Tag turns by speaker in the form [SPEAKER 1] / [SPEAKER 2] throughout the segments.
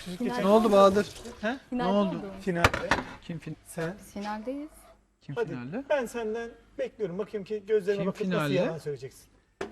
[SPEAKER 1] Ne oldu Bahadır? He? Ne
[SPEAKER 2] Finalde
[SPEAKER 1] oldu?
[SPEAKER 3] Finalde.
[SPEAKER 1] Kim
[SPEAKER 3] Sen.
[SPEAKER 2] Biz finaldeyiz.
[SPEAKER 1] kim
[SPEAKER 3] Hadi
[SPEAKER 1] finalde?
[SPEAKER 3] ben senden bekliyorum. Bakayım ki gözlerine
[SPEAKER 1] Kim
[SPEAKER 3] bakıp nasıl
[SPEAKER 1] finalde?
[SPEAKER 3] yalan söyleyeceksin.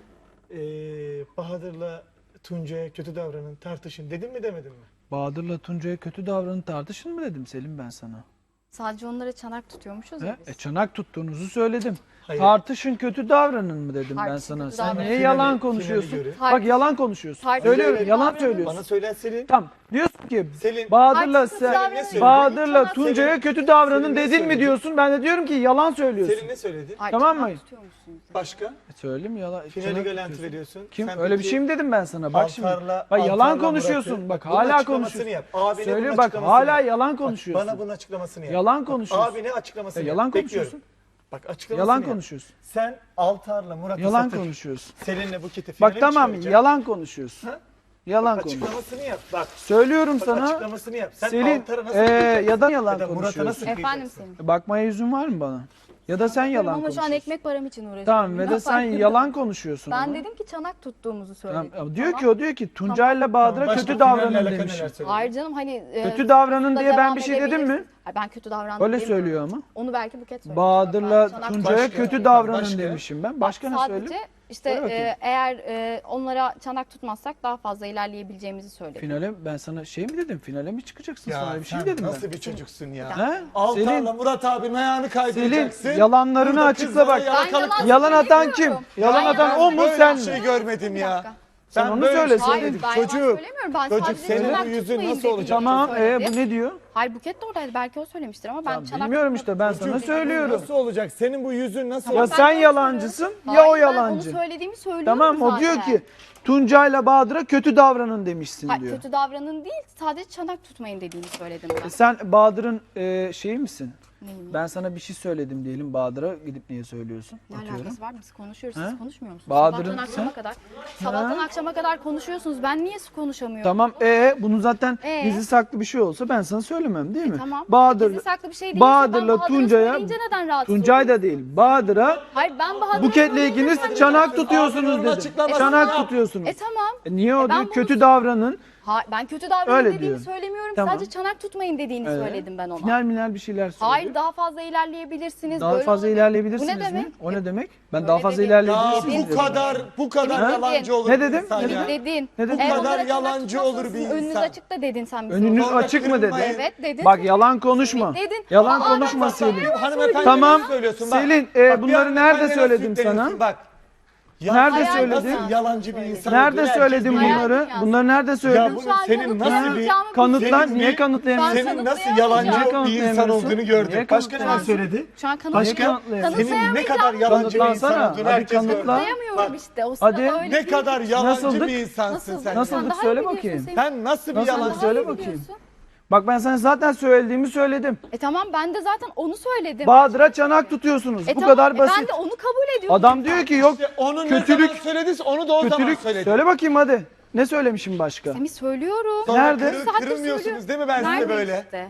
[SPEAKER 3] Bahadır'la Tuncay'a kötü davranın, tartışın. Dedin mi demedin mi?
[SPEAKER 1] Bahadır'la Tuncay'a kötü davranın tartışın mı dedim Selim ben sana?
[SPEAKER 2] Sadece onlara çanak tutuyormuşuz ya
[SPEAKER 1] He?
[SPEAKER 2] biz.
[SPEAKER 1] Çanak tuttuğunuzu söyledim.
[SPEAKER 3] Hayır.
[SPEAKER 1] Tartışın kötü davranın mı dedim ben
[SPEAKER 2] Tartışın,
[SPEAKER 1] sana.
[SPEAKER 2] kötü
[SPEAKER 1] Sen
[SPEAKER 2] davranın.
[SPEAKER 1] niye
[SPEAKER 3] Finali-
[SPEAKER 1] yalan
[SPEAKER 3] finali
[SPEAKER 1] konuşuyorsun?
[SPEAKER 3] görün.
[SPEAKER 1] Bak yalan konuşuyorsun.
[SPEAKER 2] Tartışın,
[SPEAKER 1] Söylüyorum
[SPEAKER 2] kötü
[SPEAKER 1] yalan
[SPEAKER 2] davranın.
[SPEAKER 1] söylüyorsun.
[SPEAKER 3] Bana söylen Selin.
[SPEAKER 1] Tamam diyorsun ki
[SPEAKER 3] Selin.
[SPEAKER 1] Bahadır'la
[SPEAKER 2] Tartışın, kötü
[SPEAKER 1] sen
[SPEAKER 2] davranın.
[SPEAKER 1] Bahadır'la
[SPEAKER 2] Çanak
[SPEAKER 1] Tuncay'a
[SPEAKER 3] Selin-
[SPEAKER 1] kötü davranın
[SPEAKER 3] Selin ne
[SPEAKER 1] dedin mi
[SPEAKER 3] söyledi?
[SPEAKER 1] diyorsun? Ben de diyorum ki yalan söylüyorsun.
[SPEAKER 3] Selin ne söyledi?
[SPEAKER 2] Hayır,
[SPEAKER 1] Tamam
[SPEAKER 2] çanak
[SPEAKER 1] mı?
[SPEAKER 2] tutuyormuşsunuz.
[SPEAKER 3] Başka?
[SPEAKER 1] Söyleyeyim yalan.
[SPEAKER 3] Finali
[SPEAKER 1] çanak
[SPEAKER 3] garanti
[SPEAKER 1] tutuyorsun.
[SPEAKER 3] veriyorsun.
[SPEAKER 1] Kim?
[SPEAKER 3] Sen
[SPEAKER 1] Öyle bir
[SPEAKER 3] peki
[SPEAKER 1] şey mi dedim ben sana? Bak şimdi.
[SPEAKER 3] Altar'la-
[SPEAKER 1] Bak yalan
[SPEAKER 3] Altar'la
[SPEAKER 1] konuşuyorsun.
[SPEAKER 3] Murat'ı-
[SPEAKER 1] Bak
[SPEAKER 3] bunun
[SPEAKER 1] hala
[SPEAKER 3] açıklamasını
[SPEAKER 1] konuşuyorsun.
[SPEAKER 3] yap. Abine
[SPEAKER 1] Söyle
[SPEAKER 3] bunun
[SPEAKER 1] bak
[SPEAKER 3] açıklamasını
[SPEAKER 1] hala
[SPEAKER 3] yap.
[SPEAKER 1] yalan
[SPEAKER 3] Bak,
[SPEAKER 1] konuşuyorsun.
[SPEAKER 3] Bana bunun açıklamasını yap.
[SPEAKER 1] Yalan konuşuyorsun.
[SPEAKER 3] Abine açıklamasını
[SPEAKER 1] Yalan
[SPEAKER 3] yap.
[SPEAKER 1] konuşuyorsun.
[SPEAKER 3] Bekliyorum. Bak açıklamasını
[SPEAKER 1] Yalan
[SPEAKER 3] yap.
[SPEAKER 1] konuşuyorsun.
[SPEAKER 3] Sen Altar'la Murat'ı
[SPEAKER 1] Yalan
[SPEAKER 3] satır.
[SPEAKER 1] konuşuyorsun.
[SPEAKER 3] Selin'le Buket'i finale
[SPEAKER 1] Bak tamam
[SPEAKER 3] çıkaracak.
[SPEAKER 1] yalan konuşuyorsun.
[SPEAKER 3] Ha?
[SPEAKER 1] Yalan konuşuyorsun.
[SPEAKER 3] Açıklamasını yap. Bak.
[SPEAKER 1] Söylüyorum
[SPEAKER 3] Bak
[SPEAKER 1] sana.
[SPEAKER 3] açıklamasını yap. Sen
[SPEAKER 1] Selin
[SPEAKER 3] Altar'a nasıl kıyacaksın?
[SPEAKER 1] ya da yalan
[SPEAKER 3] Ya da Murat'a
[SPEAKER 1] konuşuyorsun.
[SPEAKER 3] nasıl
[SPEAKER 2] Efendim
[SPEAKER 3] kıyacaksın?
[SPEAKER 2] senin.
[SPEAKER 1] Bakmaya yüzün var mı bana? Ya da sen yalan
[SPEAKER 2] Ama şu an
[SPEAKER 1] konuşuyorsun.
[SPEAKER 2] ekmek param için uğraşıyorum.
[SPEAKER 1] Tamam ve
[SPEAKER 2] Ne
[SPEAKER 1] de sen
[SPEAKER 2] yapayım?
[SPEAKER 1] yalan konuşuyorsun.
[SPEAKER 2] Ben
[SPEAKER 1] ama.
[SPEAKER 2] dedim ki çanak tuttuğumuzu
[SPEAKER 1] Tamam,
[SPEAKER 2] söyledim.
[SPEAKER 1] ama diyor
[SPEAKER 2] Tamam.
[SPEAKER 1] ki o diyor ki Tuncay'la Bahadır'a
[SPEAKER 3] Başka
[SPEAKER 1] kötü
[SPEAKER 3] finalle
[SPEAKER 1] davranın
[SPEAKER 3] alakalı
[SPEAKER 1] demiş.
[SPEAKER 3] neler söyledin?
[SPEAKER 2] Hayır canım hani...
[SPEAKER 1] Kötü davranın
[SPEAKER 2] da
[SPEAKER 1] diye ben
[SPEAKER 2] devam
[SPEAKER 1] bir şey dedim mi?
[SPEAKER 2] edebilirsin. Hayır, ben kötü davrandım
[SPEAKER 1] Öyle
[SPEAKER 2] demiyorum.
[SPEAKER 1] söylüyor ama.
[SPEAKER 2] Onu belki Buket söylemiş.
[SPEAKER 1] Bahadır'la
[SPEAKER 2] Ben çanak
[SPEAKER 1] Tuncay'a
[SPEAKER 3] Başka?
[SPEAKER 1] kötü davranın
[SPEAKER 3] Başka?
[SPEAKER 1] demişim ben. Başka ne
[SPEAKER 2] Sadece
[SPEAKER 1] söyleyeyim?
[SPEAKER 2] işte
[SPEAKER 1] Söyle bakayım.
[SPEAKER 2] eğer onlara çanak tutmazsak daha fazla ilerleyebileceğimizi söyledim.
[SPEAKER 1] Finale ben sana şey mi dedim? Finale mi çıkacaksın?
[SPEAKER 3] Ya
[SPEAKER 1] Sana bir şey
[SPEAKER 3] sen
[SPEAKER 1] dedim
[SPEAKER 3] nasıl
[SPEAKER 1] ben.
[SPEAKER 3] bir çocuksun ya?
[SPEAKER 1] He?
[SPEAKER 3] Altar'la
[SPEAKER 1] Selin,
[SPEAKER 3] Murat abinin ayağını kaydıracaksın.
[SPEAKER 1] Selin yalanlarını
[SPEAKER 3] Burada
[SPEAKER 1] açıkla
[SPEAKER 3] kızlara
[SPEAKER 1] bak.
[SPEAKER 2] Ben
[SPEAKER 3] yalakalık-
[SPEAKER 1] Yalan atan kim?
[SPEAKER 2] söylemiyorum.
[SPEAKER 1] Yalan
[SPEAKER 2] Ben
[SPEAKER 1] atan o mu
[SPEAKER 3] Böyle
[SPEAKER 1] sen
[SPEAKER 3] bir
[SPEAKER 1] mi?
[SPEAKER 3] şey görmedim
[SPEAKER 2] Bir
[SPEAKER 3] ya.
[SPEAKER 2] dakika.
[SPEAKER 1] Sen
[SPEAKER 3] Ben
[SPEAKER 1] onu
[SPEAKER 3] böyle
[SPEAKER 1] söyle,
[SPEAKER 3] bir şey
[SPEAKER 2] Hayır
[SPEAKER 3] dedim.
[SPEAKER 2] ben yalan
[SPEAKER 3] Çocuk.
[SPEAKER 2] söylemiyorum. Ben
[SPEAKER 3] Çocuk,
[SPEAKER 2] sadece
[SPEAKER 3] senin
[SPEAKER 2] çanak
[SPEAKER 3] bu yüzün
[SPEAKER 2] tutmayın
[SPEAKER 3] nasıl
[SPEAKER 2] dediğimi
[SPEAKER 3] olacak?
[SPEAKER 1] Tamam
[SPEAKER 2] söyledi.
[SPEAKER 1] bu ne diyor?
[SPEAKER 2] Hayır Buket de oradaydı. Belki o söylemiştir ama ben
[SPEAKER 1] Tamam,
[SPEAKER 2] çanak
[SPEAKER 1] bilmiyorum
[SPEAKER 2] tutmak
[SPEAKER 1] işte, ben sana
[SPEAKER 2] istiyorum.
[SPEAKER 1] söylüyorum.
[SPEAKER 3] Nasıl olacak? Senin bu yüzün nasıl
[SPEAKER 2] Tamam,
[SPEAKER 1] Ya
[SPEAKER 3] olacak?
[SPEAKER 2] ben
[SPEAKER 1] sen
[SPEAKER 2] de onu
[SPEAKER 1] yalancısın
[SPEAKER 2] söylüyorum.
[SPEAKER 1] ya o
[SPEAKER 2] Hayır,
[SPEAKER 1] yalancı.
[SPEAKER 2] Ben onu söylediğimi söylüyorum
[SPEAKER 1] Tamam o
[SPEAKER 2] zaten.
[SPEAKER 1] diyor ki Tuncay'la Bahadır'a kötü davranın demişsin
[SPEAKER 2] Hayır,
[SPEAKER 1] diyor.
[SPEAKER 2] kötü davranın değil sadece çanak tutmayın dediğini söyledim ben.
[SPEAKER 1] Sen Bahadır'ın şeyi misin?
[SPEAKER 2] Neyim?
[SPEAKER 1] Ben sana bir şey söyledim diyelim Bahadır'a gidip niye söylüyorsun?
[SPEAKER 2] Ne
[SPEAKER 1] Atıyorum.
[SPEAKER 2] alakası var? Biz konuşuyoruz.
[SPEAKER 1] Ha?
[SPEAKER 2] Siz konuşmuyor musunuz?
[SPEAKER 1] Bahadır'ın
[SPEAKER 2] Sabahtan akşama
[SPEAKER 1] sen-
[SPEAKER 2] kadar. Sabahtan akşama kadar konuşuyorsunuz. Ben niye konuşamıyorum?
[SPEAKER 1] Tamam bunu zaten
[SPEAKER 2] Ee?
[SPEAKER 1] gizli saklı bir şey olsa ben sana söylemem değil mi?
[SPEAKER 2] Tamam.
[SPEAKER 1] Bahadır,
[SPEAKER 2] Gizli saklı bir şey değilse
[SPEAKER 1] Bahadır'la
[SPEAKER 2] ben Bahadır'ı
[SPEAKER 1] Tuncay'a,
[SPEAKER 2] söyleyince neden rahatsız
[SPEAKER 1] Tuncay
[SPEAKER 2] oluyorsun?
[SPEAKER 1] da değil Bahadır'a
[SPEAKER 2] Hayır ben Bahadır'ı
[SPEAKER 1] Buket'le
[SPEAKER 2] söyleyince
[SPEAKER 1] ikiniz
[SPEAKER 2] sen-
[SPEAKER 1] çanak tutuyorsunuz
[SPEAKER 3] Abinin
[SPEAKER 1] dedim.
[SPEAKER 3] açıklamasını
[SPEAKER 1] Çanak
[SPEAKER 3] yap.
[SPEAKER 1] tutuyorsunuz.
[SPEAKER 2] Tamam.
[SPEAKER 1] Niye o
[SPEAKER 2] ben
[SPEAKER 1] diyor
[SPEAKER 2] bunu-
[SPEAKER 1] kötü davranın.
[SPEAKER 2] Ben kötü davranın
[SPEAKER 1] Öyle
[SPEAKER 2] dediğimi
[SPEAKER 1] diyor.
[SPEAKER 2] söylemiyorum.
[SPEAKER 1] Tamam.
[SPEAKER 2] Sadece çanak tutmayın dediğini söyledim ben ona.
[SPEAKER 1] Final bir şeyler söylüyor.
[SPEAKER 2] Hayır daha fazla ilerleyebilirsiniz.
[SPEAKER 1] Daha
[SPEAKER 2] böyle
[SPEAKER 1] fazla
[SPEAKER 2] olabilir.
[SPEAKER 1] ilerleyebilirsiniz
[SPEAKER 2] Bu ne demek?
[SPEAKER 1] mi? O ne demek? Ben
[SPEAKER 2] Öyle
[SPEAKER 1] daha fazla
[SPEAKER 2] dedi.
[SPEAKER 3] Ya
[SPEAKER 1] ilerleyebilirsiniz
[SPEAKER 3] bu
[SPEAKER 1] dedim.
[SPEAKER 3] kadar
[SPEAKER 2] Ha?
[SPEAKER 3] yalancı olur
[SPEAKER 1] Ne
[SPEAKER 3] bir
[SPEAKER 1] dedim?
[SPEAKER 3] insan
[SPEAKER 1] Ne
[SPEAKER 3] ya.
[SPEAKER 2] Dedin.
[SPEAKER 1] Ne dedin?
[SPEAKER 3] Bu
[SPEAKER 2] Eğer
[SPEAKER 3] kadar
[SPEAKER 2] onlara çanak
[SPEAKER 3] yalancı olur bir
[SPEAKER 2] tutmazsanız Önünüz
[SPEAKER 3] insan.
[SPEAKER 2] açık da dedin sen bize.
[SPEAKER 1] Önünüz
[SPEAKER 3] Sonra
[SPEAKER 1] açık mı dedi?
[SPEAKER 3] kırılmayın.
[SPEAKER 2] Evet dedin.
[SPEAKER 1] Bak yalan konuşma.
[SPEAKER 2] Dedin.
[SPEAKER 1] Yalan
[SPEAKER 2] Aa,
[SPEAKER 1] konuşma
[SPEAKER 2] ben
[SPEAKER 1] Selin.
[SPEAKER 3] Hanımefendi
[SPEAKER 1] Tamam.
[SPEAKER 3] ne söylüyorsun? Bak,
[SPEAKER 1] Selin,
[SPEAKER 3] bak, bir
[SPEAKER 1] bunları
[SPEAKER 3] hanımefendi
[SPEAKER 1] nerede
[SPEAKER 3] nasıl
[SPEAKER 1] söyledim
[SPEAKER 3] yükleniyorsun?
[SPEAKER 1] sana?
[SPEAKER 3] Bak. Ya
[SPEAKER 1] Nerede
[SPEAKER 3] sen
[SPEAKER 1] söyledin?
[SPEAKER 3] Nasıl yalancı bir insan
[SPEAKER 1] Nerede
[SPEAKER 3] olduğunu
[SPEAKER 1] söyledim
[SPEAKER 3] herkes biliyor.
[SPEAKER 1] bunları?
[SPEAKER 2] Hayal
[SPEAKER 1] Bunları nerede
[SPEAKER 3] Ya
[SPEAKER 1] söyledim?
[SPEAKER 3] bu
[SPEAKER 2] Şu an
[SPEAKER 3] senin nasıl bir
[SPEAKER 2] kanıtlayamayacağım.
[SPEAKER 1] Kanıtlan.
[SPEAKER 3] senin
[SPEAKER 1] Niye
[SPEAKER 3] bir-
[SPEAKER 1] kanıtlayamıyorsun?
[SPEAKER 2] Ben
[SPEAKER 3] senin nasıl
[SPEAKER 2] kanıtlayamıyorum.
[SPEAKER 3] yalancı
[SPEAKER 1] Niye
[SPEAKER 3] bir insan
[SPEAKER 1] kanıtlayamıyorsun?
[SPEAKER 3] olduğunu gördük.
[SPEAKER 1] Niye
[SPEAKER 3] Başka neler
[SPEAKER 1] kanıtlayamıyorsun?
[SPEAKER 3] söyledi?
[SPEAKER 2] Şu an
[SPEAKER 1] Başka?
[SPEAKER 2] kanıtlayamıyorum.
[SPEAKER 3] Senin ne kadar yalancı bir insan
[SPEAKER 1] Kanıtlansana.
[SPEAKER 3] olduğunu
[SPEAKER 1] Hadi
[SPEAKER 3] herkes
[SPEAKER 1] kanıtla.
[SPEAKER 3] gördü.
[SPEAKER 2] Kanıtlayamıyorum
[SPEAKER 3] Bak,
[SPEAKER 2] işte. O sırada
[SPEAKER 1] Hadi.
[SPEAKER 2] öyle
[SPEAKER 3] ne
[SPEAKER 2] değil.
[SPEAKER 3] kadar yalancı
[SPEAKER 1] Nasıldık?
[SPEAKER 3] bir insansın
[SPEAKER 2] Nasıldık?
[SPEAKER 3] sen.
[SPEAKER 1] Nasıldık?
[SPEAKER 2] Sen daha iyi
[SPEAKER 1] Söyle
[SPEAKER 2] biliyorsun
[SPEAKER 1] bakayım.
[SPEAKER 2] Semih.
[SPEAKER 3] Sen nasıl bir
[SPEAKER 1] Nasıl?
[SPEAKER 3] yalancı?
[SPEAKER 1] Söyle
[SPEAKER 2] Daha iyi
[SPEAKER 1] bakayım.
[SPEAKER 2] biliyorsun.
[SPEAKER 1] Bak ben sana zaten söylediğimi söyledim.
[SPEAKER 2] Tamam ben de zaten onu söyledim.
[SPEAKER 1] Bahadır'a çanak tutuyorsunuz. Bu
[SPEAKER 2] Tamam,
[SPEAKER 1] kadar basit.
[SPEAKER 2] Ben de onu kabul ediyorum.
[SPEAKER 1] Adam diyor ki yok
[SPEAKER 3] İşte onun ne
[SPEAKER 1] kötülük,
[SPEAKER 3] zaman söylediyse onu da o zaman
[SPEAKER 1] kötülük.
[SPEAKER 3] söyledi.
[SPEAKER 1] Söyle bakayım hadi. Ne söylemişim başka?
[SPEAKER 2] Semih söylüyorum.
[SPEAKER 3] Sonra
[SPEAKER 1] Nerede?
[SPEAKER 2] Saattir
[SPEAKER 3] kırılmıyorsunuz
[SPEAKER 2] söylüyorum.
[SPEAKER 3] değil mi ben size
[SPEAKER 2] Nerede
[SPEAKER 3] böyle?
[SPEAKER 2] işte?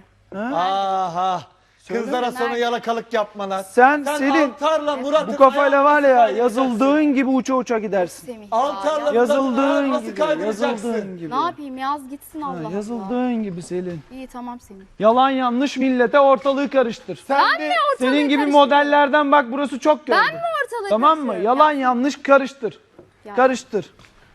[SPEAKER 3] Aha. Kızlara sonra
[SPEAKER 2] Nerede?
[SPEAKER 3] yalakalık yapmalar.
[SPEAKER 1] Sen Selin
[SPEAKER 3] Altar'la Murat'ın
[SPEAKER 1] bu kafayla var ya
[SPEAKER 3] ayağını
[SPEAKER 1] yazıldığın gibi uça uça gidersin.
[SPEAKER 2] Semih
[SPEAKER 3] Altar'la
[SPEAKER 2] ya.
[SPEAKER 1] Yazıldığın
[SPEAKER 3] nasıl
[SPEAKER 1] gibi,
[SPEAKER 3] kaydıracaksın?
[SPEAKER 1] yazıldığın gibi.
[SPEAKER 2] Ne yapayım yaz gitsin Allah Allah.
[SPEAKER 1] Yazıldığın gibi Selin.
[SPEAKER 2] İyi tamam Semih.
[SPEAKER 1] Yalan yanlış millete ortalığı karıştır.
[SPEAKER 3] Sen
[SPEAKER 2] Ben
[SPEAKER 3] de
[SPEAKER 2] mi ortalığı
[SPEAKER 1] Senin gibi
[SPEAKER 2] karıştırıyorum?
[SPEAKER 1] modellerden bak burası çok gördüm.
[SPEAKER 2] Ben mi ortalığı
[SPEAKER 1] Tamam mı?
[SPEAKER 2] karıştırıyorum?
[SPEAKER 1] Yalan yanlış karıştır.
[SPEAKER 2] Ya.
[SPEAKER 1] Karıştır.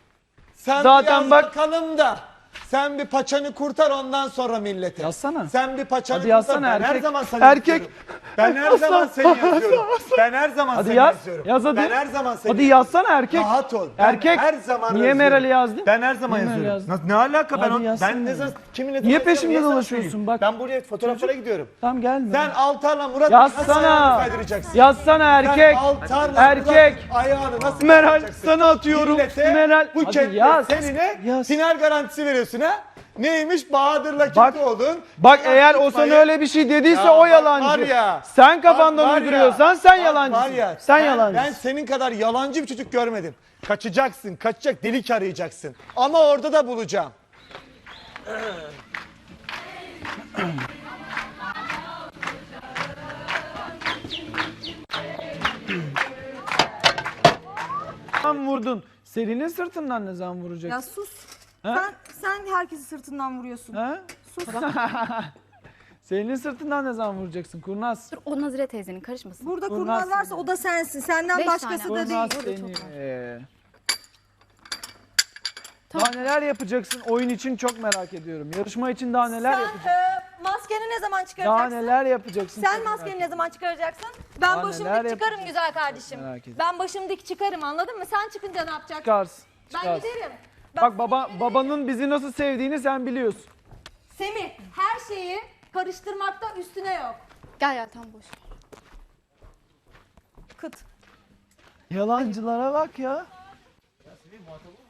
[SPEAKER 3] sen
[SPEAKER 1] Zaten
[SPEAKER 3] bir yaz
[SPEAKER 1] bak-
[SPEAKER 3] bakalım da sen bir paçanı kurtar ondan sonra millete.
[SPEAKER 1] Yazsana.
[SPEAKER 3] Sen bir paçanı
[SPEAKER 1] Hadi
[SPEAKER 3] kurtar.
[SPEAKER 1] yazsana
[SPEAKER 3] Ben her
[SPEAKER 1] erkek.
[SPEAKER 3] zaman seni
[SPEAKER 1] Erkek.
[SPEAKER 3] yazıyorum. Ben her zaman seni yazıyorum. Ben her zaman
[SPEAKER 1] Hadi
[SPEAKER 3] seni
[SPEAKER 1] yaz.
[SPEAKER 3] yazıyorum.
[SPEAKER 1] Yaz hadi.
[SPEAKER 3] Ben her zaman seni
[SPEAKER 1] Hadi yazsana erkek.
[SPEAKER 3] Rahat ol. Ben
[SPEAKER 1] Erkek.
[SPEAKER 3] her zaman
[SPEAKER 1] Niye
[SPEAKER 3] yazıyorum.
[SPEAKER 1] Meral'i yazdın?
[SPEAKER 3] Ben her zaman
[SPEAKER 1] Niye Meral'i
[SPEAKER 3] yazıyorum.
[SPEAKER 1] yazdın?
[SPEAKER 3] Ne alaka ben
[SPEAKER 1] Hadi yazsana.
[SPEAKER 3] ben ne zaman kiminle
[SPEAKER 1] Niye
[SPEAKER 3] tanışıyorum,
[SPEAKER 1] peşimde
[SPEAKER 3] niye sana
[SPEAKER 1] dolaşıyorsun
[SPEAKER 3] söyleyeyim?
[SPEAKER 1] bak?
[SPEAKER 3] Ben buraya fotoğraflara gidiyorum.
[SPEAKER 1] Tamam gelme.
[SPEAKER 3] Sen Altar'la Murat'ın nasıl ayağını
[SPEAKER 1] Yazsana.
[SPEAKER 3] kaydıracaksın?
[SPEAKER 1] Yazsana
[SPEAKER 3] Sen
[SPEAKER 1] erkek.
[SPEAKER 3] Altar'la
[SPEAKER 1] Erkek.
[SPEAKER 3] Murat'ın ayağını nasıl
[SPEAKER 1] Meral
[SPEAKER 3] kaydıracaksın?
[SPEAKER 1] sana atıyorum.
[SPEAKER 3] Millete
[SPEAKER 1] Meral.
[SPEAKER 3] bu
[SPEAKER 1] Hadi
[SPEAKER 3] ketle
[SPEAKER 1] yaz.
[SPEAKER 3] senine
[SPEAKER 1] Yaz.
[SPEAKER 3] final garantisi veriyorsun ha? Neymiş? Bahadır'la
[SPEAKER 1] Bak-
[SPEAKER 3] kötü oldun.
[SPEAKER 1] Bak
[SPEAKER 3] Final
[SPEAKER 1] eğer o
[SPEAKER 3] tutmayı-
[SPEAKER 1] sana öyle bir şey dediyse
[SPEAKER 3] Ya
[SPEAKER 1] o
[SPEAKER 3] bak
[SPEAKER 1] yalancı.
[SPEAKER 3] var ya,
[SPEAKER 1] Sen
[SPEAKER 3] bak
[SPEAKER 1] kafandan
[SPEAKER 3] var ya,
[SPEAKER 1] uyduruyorsan sen
[SPEAKER 3] bak
[SPEAKER 1] yalancısın.
[SPEAKER 3] var ya,
[SPEAKER 1] sen
[SPEAKER 3] ben
[SPEAKER 1] yalancısın.
[SPEAKER 3] senin kadar yalancı bir çocuk görmedim. Kaçacaksın, kaçacak delik arayacaksın. Ama orada da bulacağım.
[SPEAKER 1] Sen vurdun. Selin'in sırtından ne zaman vuracaksın?
[SPEAKER 2] Ya sus.
[SPEAKER 4] Sen herkesi sırtından vuruyorsun.
[SPEAKER 1] Ha?
[SPEAKER 4] Sus.
[SPEAKER 1] Senin sırtından ne zaman vuracaksın kurnaz?
[SPEAKER 2] Dur o Nazire teyzenin karışmasın.
[SPEAKER 4] Burada
[SPEAKER 1] Kurnaz
[SPEAKER 4] kurnaz varsa
[SPEAKER 1] seni.
[SPEAKER 4] o da sensin. Senden
[SPEAKER 2] 5
[SPEAKER 4] başkası
[SPEAKER 2] tane.
[SPEAKER 4] da değil.
[SPEAKER 1] Kurnaz
[SPEAKER 2] Orada çok
[SPEAKER 1] seni.
[SPEAKER 2] Tamam.
[SPEAKER 1] Daha neler yapacaksın? Oyun için çok merak ediyorum. Yarışma için daha neler
[SPEAKER 4] Sen
[SPEAKER 1] yapacaksın?
[SPEAKER 4] maskeni ne zaman
[SPEAKER 1] Daha
[SPEAKER 4] çıkaracaksın?
[SPEAKER 1] neler yapacaksın?
[SPEAKER 4] Sen
[SPEAKER 1] çok
[SPEAKER 4] maskeni
[SPEAKER 1] merak
[SPEAKER 4] ne zaman çıkaracaksın? Ben
[SPEAKER 1] Daha
[SPEAKER 4] başım
[SPEAKER 1] neler
[SPEAKER 4] dik çıkarım
[SPEAKER 1] yapacağız?
[SPEAKER 4] güzel kardeşim.
[SPEAKER 1] Merak ediyorum.
[SPEAKER 4] Ben başım dik çıkarım anladın mı? Sen çıkınca ne yapacaksın?
[SPEAKER 1] Çıkarsın.
[SPEAKER 4] Ben
[SPEAKER 1] çıkarsın.
[SPEAKER 4] giderim.
[SPEAKER 1] Bak babanın bizi nasıl sevdiğini sen biliyorsun.
[SPEAKER 4] Semih her şeyi karıştırmakta üstüne yok.
[SPEAKER 2] Gel tam boş.
[SPEAKER 4] Kıt.
[SPEAKER 1] Yalancılara bak ya.